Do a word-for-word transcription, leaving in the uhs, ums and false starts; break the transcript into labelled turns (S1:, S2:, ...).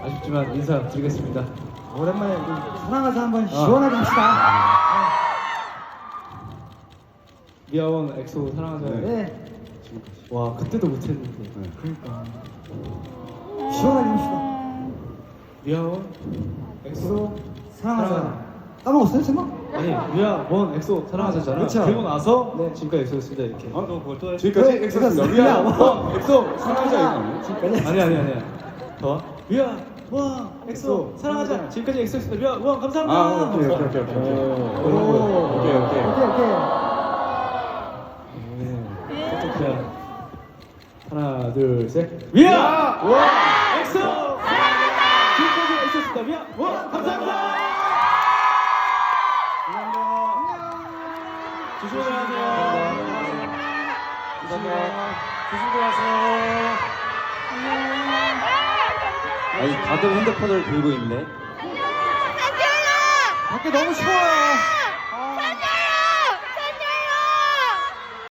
S1: 아쉽지만 인사드리겠습니다.
S2: 오랜만에 우리 사랑하자 한번 시원하게 합시다.
S1: 미아원 엑소 사랑하자.
S2: 네.
S1: 와 그때도 못했는데.
S2: 그러니까 시원하게 합시다.
S1: 미아원 엑소
S2: 사랑하자. 까먹었어요 제목?
S1: 아니 미아원 엑소 사랑하자잖아.
S2: 그쵸.
S1: 그리고 나서
S2: 네.
S1: 지금까지 엑소였습니다 이렇게.
S3: 아, 너 그걸 또 해?
S4: 지금까지
S2: 그-
S4: 엑소였습니다.
S2: 그거
S4: 미아
S2: 뭐-
S4: 원 엑소 사랑하자 이거 아니에요?
S2: 지금까지
S1: 아니 아니 아니야. 더 미아 원 엑소 사랑하자. 지금까지 엑소였습니다. 미아 원 감사합니다.
S4: 아 오케이 오케이 오케이 오케이 오케이
S2: 오.
S4: 오케이 오케이
S2: 오케이 오케이.
S1: 어떡해. 하나 둘 셋. 미아 원 엑소 사랑하자. 지금까지 엑소였습니다. 미아 원 감사합니다. 조심히 가세요. 조심히 가세요.
S3: 아니, 다들 핸드폰을 들고 있네.
S2: 밖에 너무 추워요. 아.